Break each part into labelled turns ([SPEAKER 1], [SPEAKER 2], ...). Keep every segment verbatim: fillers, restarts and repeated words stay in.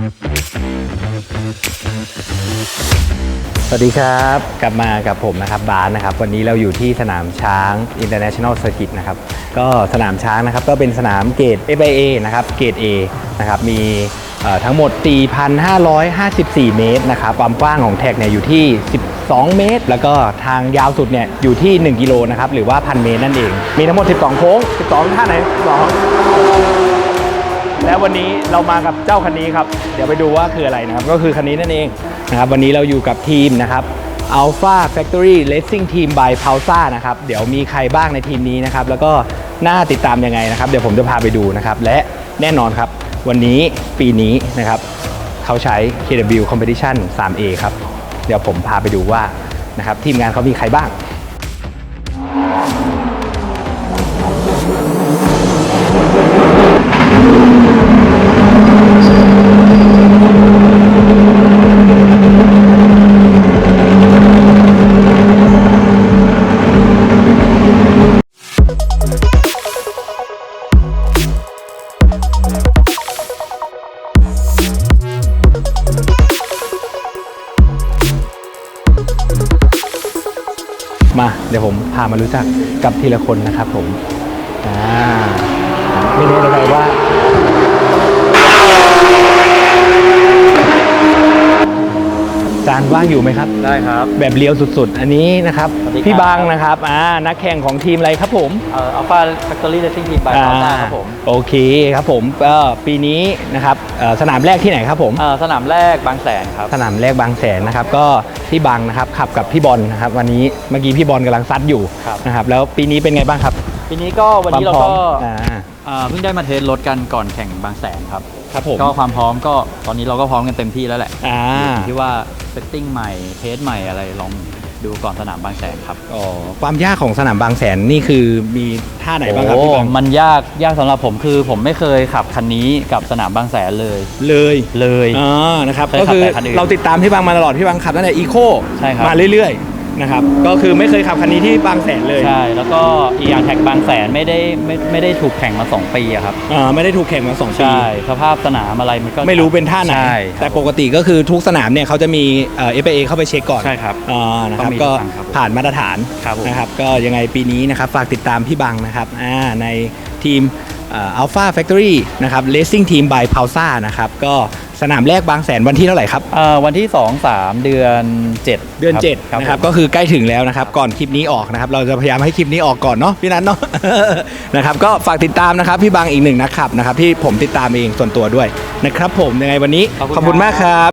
[SPEAKER 1] สวัสดีครับกลับมากับผมนะครับบาสนะครับวันนี้เราอยู่ที่สนามช้าง International Circuit นะครับก็สนามช้างนะครับก็เป็นสนามเกรด เอฟ ไอ เอ นะครับเกรด A นะครับมีทั้งหมด สี่พันห้าร้อยห้าสิบสี่ เมตรนะครับความกว้างของแท็กเนี่ยอยู่ที่สิบสองเมตรแล้วก็ทางยาวสุดเนี่ยอยู่ที่หนึ่งกิโลนะครับหรือว่า หนึ่งพัน เมตรนั่นเองมีทั้งหมดสิบสองโค้งสิบสองท่าไหนสิบสองแล้ววันนี้เรามากับเจ้าคันนี้ครับเดี๋ยวไปดูว่าคืออะไรนะครับก็คือคันนี้นั่นเองนะครับวันนี้เราอยู่กับทีมนะครับ Alpha Factory Racing Team by Pausa นะครับเดี๋ยวมีใครบ้างในทีมนี้นะครับแล้วก็น่าติดตามยังไงนะครับเดี๋ยวผมจะพาไปดูนะครับและแน่นอนครับวันนี้ปีนี้นะครับเขาใช้ เค ดับเบิลยู Competition ทรี เอ ครับเดี๋ยวผมพาไปดูว่านะครับทีมงานเขามีใครบ้างมาเดี๋ยวผมพามารู้จักกับทีละคนนะครับผมอ่าไม่รู้อะไรว่าจานว่างอยู่ไหมครับ
[SPEAKER 2] ได้ครับ
[SPEAKER 1] แบบเลี้ยวสุดๆอันนี้นะครับพี่บังนะครับอ่านักแข่งของทีมอะไรครับผม
[SPEAKER 2] เอ่อ Alpha Factory Racing Team by Pausa ครับผม
[SPEAKER 1] โอเคครับผมก็ปีนี้นะครับสนามแรกที่ไหนครับผม
[SPEAKER 2] สนามแรกบางแสนครับ
[SPEAKER 1] สนามแรกบางแสนนะครับก็พี่บังนะครับขับกับพี่บอลนะครับวันนี้เมื่อกี้พี่บอลกำลังซัดอยู่นะครับแล้วปีนี้เป็นไงบ้างครับ
[SPEAKER 2] ปีนี้ก็วันนี้เราก็เพิ่งได้มาเทสรถกันก่อนแข่งบางแสนครับ
[SPEAKER 1] ครับผม
[SPEAKER 2] ก็ความพร้อมก็ตอนนี้เราก็พร้อมกันเต็มที่แล้วแหละที่ว่าเซตติ้งใหม่เทสใหม่อะไรลองดูก่อนสนามบางแสนครับ
[SPEAKER 1] อ๋อความยากของสนามบางแสนนี่คือมีท่าไหนบ้างครับพี่บัง
[SPEAKER 2] มันยากยากสำหรับผมคือผมไม่เคยขับคันนี้กับสนามบางแสนเลย
[SPEAKER 1] เลย
[SPEAKER 2] เลย
[SPEAKER 1] อ๋อนะครับก็คือเราติดตามพี่บังมาตลอดพี่บังขับตั้งแต่อีโคมาเรื่อยๆนะครับก็คือไม่เคยขับคันนี้ที่บางแสนเลย
[SPEAKER 2] ใช่แล้วก็อีกอย่างแท็กบางแสนไม่ได้ไม่ไม่ได้ถูกแข่งมาสองปีอะครับ
[SPEAKER 1] อ่าไม่ได้ถูกแข่งมาสองปี
[SPEAKER 2] ใช่สภาพสนามอะไรมันก็
[SPEAKER 1] ไม่รู้เป็นท่าไหนแต่ปกติก็คือทุกสนามเนี่ยเขาจะมีเอ่อ เอฟ ไอ เอ เข้าไปเช็คก่อน
[SPEAKER 2] ใช่ครับ
[SPEAKER 1] อ่านะครับก็ผ่านมาตรฐานนะครับก็ยังไงปีนี้นะครับฝากติดตามพี่บังนะครับอ่าในทีม Alpha Factory นะครับ Racing Team by Pausa นะครับก็สนามแรกบางแสนวันที่เท่าไหร่ครับ
[SPEAKER 2] วันที่สอง สามเดือนเจ็ด
[SPEAKER 1] เดือนเจ็ดนะครับก็คือใกล้ถึงแล้วนะครับก่อนคลิปนี้ออกนะครับเราจะพยายามให้คลิปนี้ออกก่อนเนาะพี่นัทเนาะ นะครับก็ฝากติดตามนะครับพี่บางอีกหนึ่งนะครับนะครับที่ผมติดตามเองส่วนตัวด้วยนะครับผมยังไงวันนี้ขอบคุณมากครับ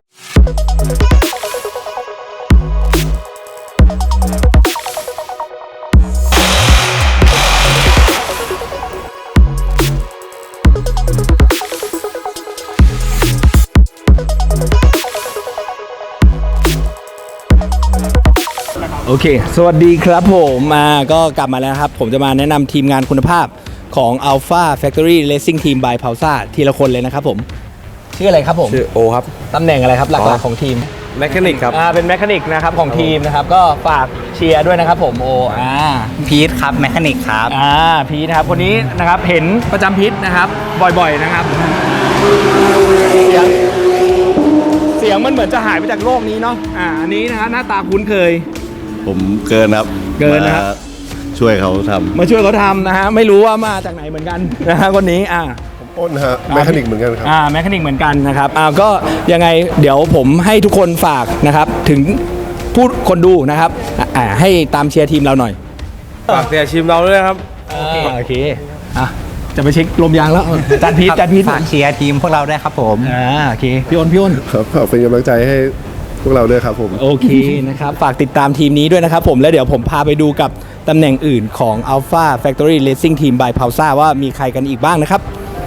[SPEAKER 1] โอเคสวัสดีครับผมมาก็กลับมาแล้วครับผมจะมาแนะนำทีมงานคุณภาพของ Alpha Factory Racing Team by Pausa ทีละคนเลยนะครับผมชื่ออะไรครับผม
[SPEAKER 3] ชื่อโอครับ
[SPEAKER 1] ตำแหน่งอะไรครับหลักๆของทีม
[SPEAKER 3] แมคานิกครับ
[SPEAKER 1] อ่าเป็นแมคานิกนะครับของทีมนะครับก็ฝากเชียร์ด้วยนะครับผมโออ่า
[SPEAKER 4] พีทครับแมคานิกครับ
[SPEAKER 1] อ่าพีทนะครับคนนี้นะครับเห็นประจำพีทนะครับบ่อยๆนะครับเสียงเสียงมันเหมือนจะหายไปจากโลกนี้เนาะอ่าอันนี้นะครับหน้าตาคุ้นเคย
[SPEAKER 3] ผมเกินครับ
[SPEAKER 1] เกินนะครับ
[SPEAKER 3] ช่วยเขาทำ
[SPEAKER 1] มาช่วยเขาทำนะฮะไม่รู้ว่ามาจากไหนเหมือนกันนะฮะคนนี้อ่า
[SPEAKER 3] ผมอ้นฮะแมคานิกเหมือนกันครับ
[SPEAKER 1] อ่าแมคานิกเหมือนกันนะครับอ่าก็ยังไงเดี๋ยวผมให้ทุกคนฝากนะครับถึงผู้คนดูนะครับอ่าให้ตามเชียร์ทีมเราหน่อย
[SPEAKER 3] ฝากเชียร์ทีมเราด้วยครับ
[SPEAKER 1] โอเคโอเคอ่ะจะไปเช็คลมยางแล้วจัดพีทจัดพีท
[SPEAKER 4] ฝากเชียร์ทีมพวกเราด้วยครับผม
[SPEAKER 1] อ่าโอเคพี่อ้นพี่อ้น
[SPEAKER 3] ครับฝากเป็นกำลังใจให้พวกเราด้วยครับผม
[SPEAKER 1] โอเคนะครับฝากติดตามทีมนี้ด้วยนะครับผมแล้วเดี๋ยวผมพาไปดูกับตำแหน่งอื่นของ Alpha Factory Racing Team by Pausa ว่ามีใครกันอีกบ้างนะครับ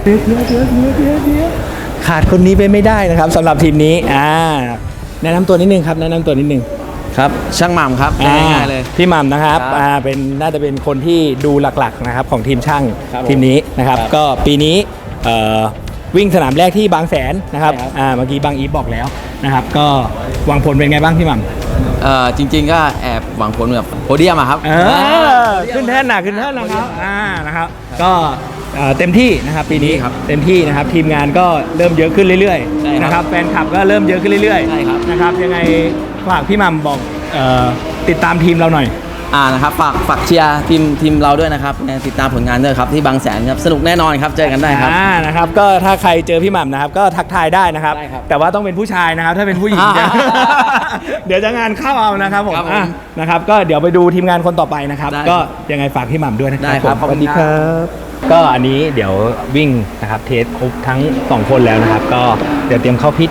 [SPEAKER 1] ขาดคนนี้ไปไม่ได้นะครับสำหรับทีมนี้อ่าแนะนำตัวนิดนึงครับแนะนำตัวนิดนึง
[SPEAKER 2] ครับช่างหม่ำครับง่ายๆเลย
[SPEAKER 1] พี่หม่ำนะครับอ่าเป็นน่าจะเป็นคนที่ดูหลักๆนะครับของทีมช่างทีมนี้นะครับก็ปีนี้เอ่อวิ่งสนามแรกที่บางแสนนะครับอ่าเมื่อกี้บางอีฟบอกแล้วนะครับก็หวังผลเป็นไงบ้างพี่หม่ำ
[SPEAKER 2] เอ่อจริงๆก็แอบหวังผลแบบโพเดียมอะครับ
[SPEAKER 1] ขึ้นแท่นหนักขึ้นแท่นนะครับอ่านะครับก็เอ่อเต็มที่นะครับปีนี้
[SPEAKER 2] ครับ
[SPEAKER 1] เต็มที่นะครับทีมงานก็เริ่มเยอะขึ้นเรื่อย
[SPEAKER 2] ใช่
[SPEAKER 1] ๆ
[SPEAKER 2] ครับ
[SPEAKER 1] นะครับแฟนคลับก็เริ่มเยอะขึ้นเรื่อย
[SPEAKER 2] ใช่ครับ
[SPEAKER 1] ๆนะครับยังไงฝากพี่หมัมบอกเอ่อติดตามทีมเราหน่อย
[SPEAKER 5] อ่านะครับฝากฝากเชียร์ทีมทีมเราด้วยนะครับติดตามผลงานด้วยครับที่บางแสนครับสนุกแน่นอนครับเจอกันได้ครับ
[SPEAKER 1] อ่านะครับก็ถ้าใครเจอพี่หม่ำนะครับก็ทักทายได้นะครับ
[SPEAKER 5] ได้ครับ
[SPEAKER 1] แต่ว่าต้องเป็นผู้ชายนะครับถ้าเป็นผู้หญิง จะ เดี๋ยวจะงานเข้าเอานะครับผม
[SPEAKER 5] ครับผม
[SPEAKER 1] อ่ะนะครับก็เดี๋ยวไปดูทีมงานคนต่อไปนะครับ
[SPEAKER 5] ได้
[SPEAKER 1] ก็ยังไงฝากพี่หม่ำด้วยนะครั
[SPEAKER 5] ได้ครับ
[SPEAKER 1] ผม
[SPEAKER 5] ขอบ
[SPEAKER 1] ส
[SPEAKER 5] คุ
[SPEAKER 1] วั
[SPEAKER 5] ณ
[SPEAKER 1] สดีครับ ก็อันนี้เดี๋ยววิ่งนะครับเทสครบทั้งสองคนแล้วนะครับ ก็เดี๋ยวเตรียมเข้าพิท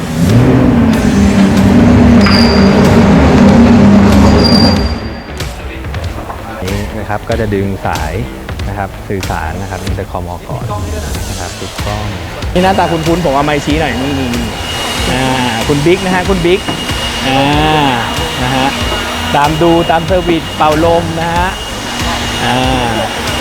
[SPEAKER 1] นี่นะครับก็จะดึงสายนะครับสื่อสารนะครับอินเตอร์คอมออกก่อนนะครับติดกล้องนี่หน้าตาคุ้นๆผมเอาไมค์ชี้หน่อยนี่นี่นี่อ่าคุณบิ๊กนะฮะคุณบิ๊กอ่านะฮะตามดูตามเซอร์วิสเป่าลมนะฮะอ่า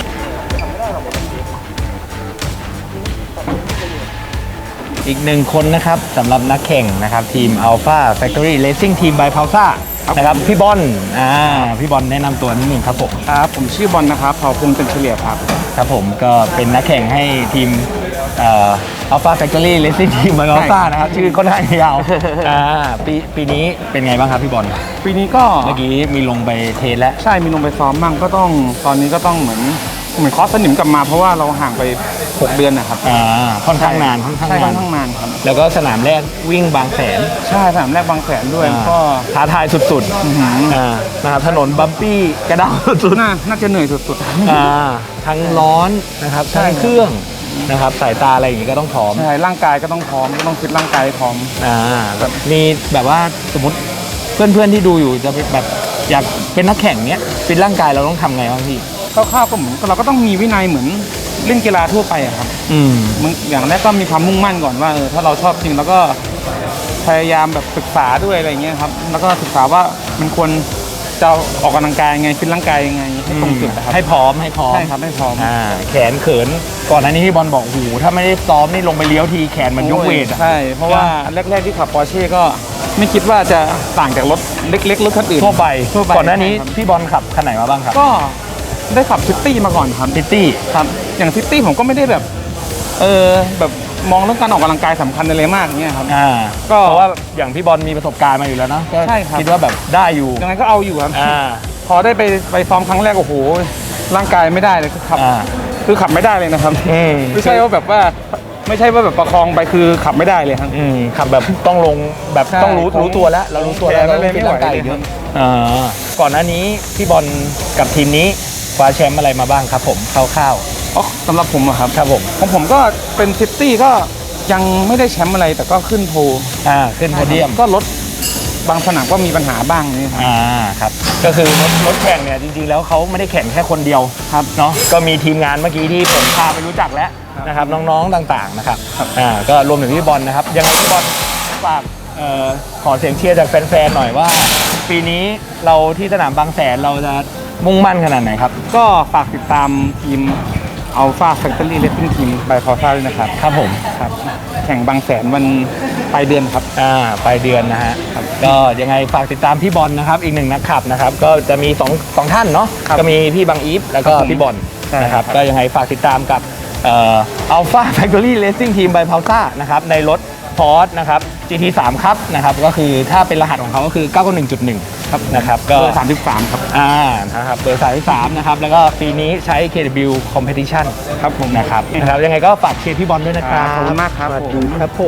[SPEAKER 1] อีกหนึ่งคนนะครับสำหรับนักแข่งนะครับทีม Alpha Factory Racing Team by Pausa นะครับพี่บอลอ่าพี่บอลแนะนำตัวนิดนึงครับผม
[SPEAKER 6] ครับผมชื่อบอลนะครับเผ่าพงษ์เป็นเฉลี่ยครับ
[SPEAKER 1] ครับผมก็เป็นนักแข่งให้ทีมเอ่อ Alpha Factory Racing Team by Pausa นะครับชื่อค่อนข้างยาวอ่าปีปีนี้เป็นไงบ้างครับพี่บอล
[SPEAKER 6] ปีนี้ก็
[SPEAKER 1] เมื่อกี้มีลงไปเทสแล้ว
[SPEAKER 6] ใช่มีลงไปซ้อมมั่งก็ต้องตอนนี้ก็ต้องเหมือนเหมือนคอสสนิมกลับมาเพราะว่าเราห่างไปหกเดือนนะครับ
[SPEAKER 1] อ่าค่อนข้างนานค่อนข้าง
[SPEAKER 6] ใช่ค่
[SPEAKER 1] นา
[SPEAKER 6] อน นข้างนานครับ
[SPEAKER 1] แล้วก็สนามแรกวิ่งบางแสน
[SPEAKER 6] ใช่สนามแรกบางแสนด้วย
[SPEAKER 1] อ่า
[SPEAKER 6] ก็
[SPEAKER 1] ท้าทายสุด
[SPEAKER 6] อื้อหือ
[SPEAKER 1] ๆอ่านะครับถนนบัมปี้กระด้างสุด
[SPEAKER 6] น่าน่าจะเหนื่อยสุด
[SPEAKER 1] ๆอ่าทั้งร้อนนะครับ
[SPEAKER 6] ใช่
[SPEAKER 1] ทั้งเครื่องนะครับสายตาอะไรอย่างงี้ก็ต้องพร้อม
[SPEAKER 6] ๆใช่ร่างกายก็ต้องพร้อมก็ต้องฟิตร่างกายให้พร้อม
[SPEAKER 1] อ่าแบบมีแบบว่าสมมติเพื่อนๆที่ดูอยู่จะแบบอยากเป็นนักแข่งเนี้ยฟิตร่างกายเราต้องทำไงบ้างพี่
[SPEAKER 6] คร่าวๆก็เหมือนเราก็ต้องมีวินัยเหมือนเล่นกีฬาทั่วไปอะครับ
[SPEAKER 1] อืม
[SPEAKER 6] มึงอย่างแรกก็มีความมุ่งมั่นก่อนว่าเออถ้าเราชอบจริงแล้วก็พยายามแบบศึกษาด้วยอะไรเงี้ยครับแล้วก็ศึกษาว่ามันควรจะออกกำลังกายยังไงฟิตร่างกายยังไงให้ตรงจุดนะครับ
[SPEAKER 1] ให้พร้อมให้พร้อม
[SPEAKER 6] ใช่ครับให้พร้อม
[SPEAKER 1] อ่าแขนเขินก่อนหน้านี้พี่บอลบอกโอ้โหถ้าไม่ได้ซ้อมนี่ลงไปเลี้ยวทีแขนมันยกเวทอะ
[SPEAKER 6] ใช่ เพราะว่าแรก ๆที่ขับปอร์เช่ก็ไม่คิดว่าจะต่างจากรถเล็กๆรถคันอื่น
[SPEAKER 1] ทั่วไป
[SPEAKER 6] ทั่วไป
[SPEAKER 1] ก่อนหน้านี้
[SPEAKER 6] ใช่ครับ
[SPEAKER 1] พี่บอลขับคันไหนมาบ้างครับ
[SPEAKER 6] ก็ได้ขับซิตี้มาก่อนครับ
[SPEAKER 1] ซิตี้
[SPEAKER 6] ครับอย่างซิตี้ผมก็ไม่ได้แบบเออแบบมองเรื่องการออกกำลังกายสำคัญอะไรมากเงี้ยครับ
[SPEAKER 1] อ่า
[SPEAKER 6] ก็
[SPEAKER 1] เพราะว่าอย่างพี่บอลมีประสบการณ์มาอยู่แล้วเนอะก็
[SPEAKER 6] ใช่ครับ
[SPEAKER 1] คิดว่าแบบได้อยู่
[SPEAKER 6] ยังไงก็เอาอยู่ครับ
[SPEAKER 1] อ่า
[SPEAKER 6] พอได้ไปไปซ้อมครั้งแรกโอ้โหร่างกายไม่ได้เลยคือขับ
[SPEAKER 1] อ่า
[SPEAKER 6] คือขับไม่ได้เลยนะครับ
[SPEAKER 1] อืม
[SPEAKER 6] ไม่ใช่ว่าแบบว่าไม่ใช่ว่าแบบประคองไปคือขับไม่ได้เลยครับ
[SPEAKER 1] อืมขับแบบต้องลงแบบ
[SPEAKER 6] ใช่
[SPEAKER 1] ต้องรู้รู้ตัวแล้ว เรารู้ตัวแล้ว
[SPEAKER 6] แขนอะไร
[SPEAKER 1] เรา
[SPEAKER 6] ไม่ไหว
[SPEAKER 1] ร่างกาย
[SPEAKER 6] เลย
[SPEAKER 1] เย
[SPEAKER 6] ครั
[SPEAKER 1] อะ
[SPEAKER 6] บ
[SPEAKER 1] อ่าก่อนหน้านี้พี่บอลกับทีมนี้คว้าแชมป์อะไรมาบ้างครับผมคร่าว
[SPEAKER 6] อ๋อสำหรับผมอะครับ
[SPEAKER 1] ๆครับผม
[SPEAKER 6] ของผมก็เป็นซิตี้ก็ยังไม่ได้แชมป์อะไรแต่ก็ขึ้นโพล
[SPEAKER 1] อ่าขึ้นโพเดียม
[SPEAKER 6] ก็รถบางสนามก็มีปัญหาบ้างนี่ครับ
[SPEAKER 1] อ่าครับก็คือรถรถแข่งเนี่ยจริงๆแล้วเขาไม่ได้แข่งแค่คนเดียวครับเนาะก็มีทีมงานเมื่อกี้ที่ผมพาไปรู้จักแล้วนะครับน้องๆต่างๆนะครับอ่าก็รวมถึงพี่บอลนะครับยังไงพี่บอลฝากเอ่อขอเสียงเชียร์จากแฟนๆหน่อยว่า ปีนี้เราที่สนามบางแสนเราจะมุ่งมั่นขนาดไหนครับ
[SPEAKER 6] ก็ฝากติดตามทีม Alpha Factory Racing Team by Pausa ด้วยนะครับ
[SPEAKER 1] ครับผม
[SPEAKER 6] ครับแข่งบางแสนวันปลายเดือนครับ
[SPEAKER 1] อ่าปลายเดือนนะฮะก็ยังไงฝากติดตมพี่บอลนะครับอีกหนึ่งนักขับนะครับก็จะมีสองสองท่านเนาะ
[SPEAKER 6] ครับ
[SPEAKER 1] ก็มีพี่บังอีฟแล้วก็
[SPEAKER 6] ครับผม
[SPEAKER 1] พี่บอล
[SPEAKER 6] ใช่
[SPEAKER 1] นะครับ
[SPEAKER 6] ครับ
[SPEAKER 1] ก็ยังไงฝากติดตามกับเอ่อ Alpha Factory Racing Team by Pausa นะครับในรถพอร์ตนะครับ จี ที สาม ครับนะครับก็คือถ้าเป็นรหัสของเขาก็คือ เก้าเก้าหนึ่งจุดหนึ่ง ครับนะครับก็
[SPEAKER 6] เบอร์สามสิบสามครับ
[SPEAKER 1] อ่านะครับเบอร์สามสิบสามนะครับแล้วก็ปีนี้ใช้ เค ดับเบิลยู Competition
[SPEAKER 6] ครับผม
[SPEAKER 1] นะครับนะครับยังไงก็ฝากเชียร์พี่บอลด้วยนะครับ
[SPEAKER 6] ขอบคุณมากครับ
[SPEAKER 1] สวัส
[SPEAKER 6] ผม
[SPEAKER 1] ดีครับผม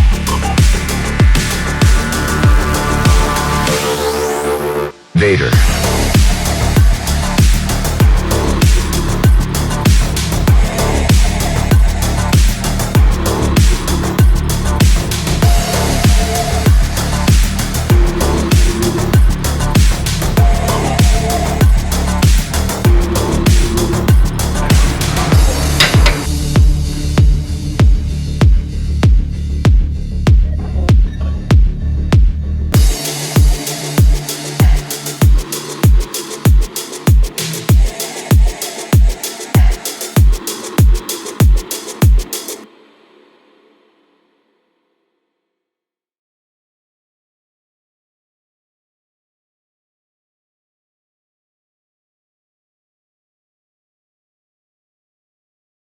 [SPEAKER 7] Vader.